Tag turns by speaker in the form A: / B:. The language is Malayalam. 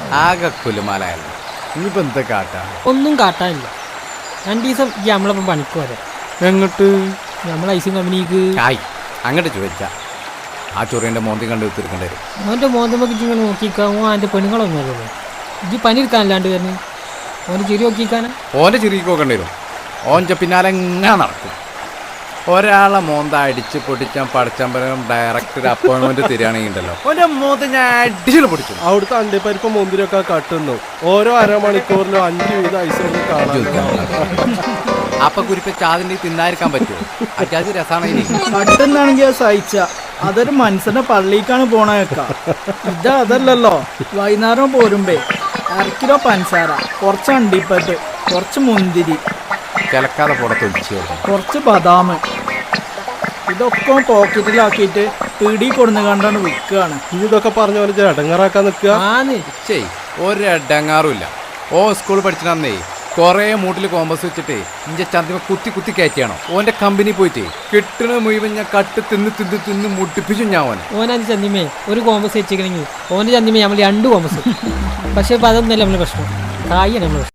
A: ആകെ കുലുമാലായല്ലോ. ഇനിയിപ്പോ എന്താ കാട്ടാ?
B: ഒന്നും കാട്ടാനില്ല. 2 ദിവസം ഈ നമ്മളപ്പം പണിക്ക് വരാം.
A: എങ്ങോട്ട്?
B: നമ്മളെ ഐസിങ് കമ്പനിക്ക്.
A: ആയി അങ്ങോട്ട് ചോദിച്ചാ ആ ചൊറിയന്റെ മോന്തി കണ്ട് തീർക്കേണ്ടി വരും.
B: ഓൻ്റെ മോന്തമ്മക്ക് ഇങ്ങനെ നോക്കിക്കാമോ? അതിൻ്റെ പെണ്ണുങ്ങളൊന്നും അല്ലല്ലോ. ഇജ്ജ് പണി എടുക്കാനല്ലാണ്ട് വരുന്നു. ഓൻ്റെ ചിരി നോക്കിക്കാനാ?
A: ഓൻ്റെ ചിരിക്ക് നോക്കേണ്ടി വരും. ഓൻ്റെ പിന്നാലെ എങ്ങനെ നടക്കും. ഒരാളെ മോന്ത അടിച്ച് പൊട്ടിച്ചാൽ പഠിച്ചമ്പലം ഡയറക്റ്റ് അപ്പോയിൻമെന്റ് തരികയാണെങ്കിൽ ഉണ്ടല്ലോ ഓൻ്റെ മോന്ത ഞാൻ അടിച്ചു പൊടിച്ചു.
C: അവിടുത്തെ അണ്ടിപ്പരിപ്പ് മുന്തിരിയൊക്കെ കട്ടുന്നു. ഓരോ അരമണിക്കൂറിലും 5 വീതം ഐസ് കാണാൻ.
A: അപ്പൊ കുരിപ്പ ചാതിൻ്റെ തിന്നായിരിക്കാൻ പറ്റുമോ? അച്ചാതി രസമാണ്.
D: കട്ടുന്നാണെങ്കിൽ സഹിച്ച അതൊരു മനുഷ്യന്റെ പള്ളിക്കാണ് പോണേക്ക. അതല്ലല്ലോ. വൈകുന്നേരം പോരുമ്പേ 1 കിലോ പഞ്ചസാര, കുറച്ച് അണ്ടിപ്പറ്റ്, കുറച്ച് മുന്തിരി,
A: കിളക്കാതെ പുറത്തൊഴിച്ചു,
D: കുറച്ച് ബദാം, ഇതൊക്കെ പോക്കറ്റിലാക്കിയിട്ട് പീടി കൊടുന്ന് കണ്ടാണ് വിൽക്കുകയാണ്.
C: ഇതൊക്കെ പറഞ്ഞ പോലെ ഇടങ്ങാറാക്കാൻ നിൽക്കുക.
A: ഒരടങ്ങാറുമില്ല. ഓ സ്കൂൾ പഠിച്ചിട്ടന്നേ കുറേ മൂട്ടിൽ കോമ്പസ് വെച്ചിട്ട് ഇഞ്ച ചന്തിമ കുത്തി കുത്തി കയറ്റിയാണോ ഓൻ്റെ കമ്പനി പോയിട്ട് കിട്ടണ മുഴുവൻ ഞാൻ കട്ട് തിന്ന് മുട്ടിപ്പിച്ചു ഞാൻ.
B: ഓനത് ചന്തിമേ ഒരു കോമ്പസ് വെച്ചിരിക്കണമെങ്കിൽ ഓൻ്റെ ചന്തിമേ നമ്മൾ 2 കോമ്പസ്. പക്ഷേ ഇപ്പം അതൊന്നുമല്ല നമ്മളെ പ്രശ്നം. കായാണ് നമ്മളെ പ്രശ്നം.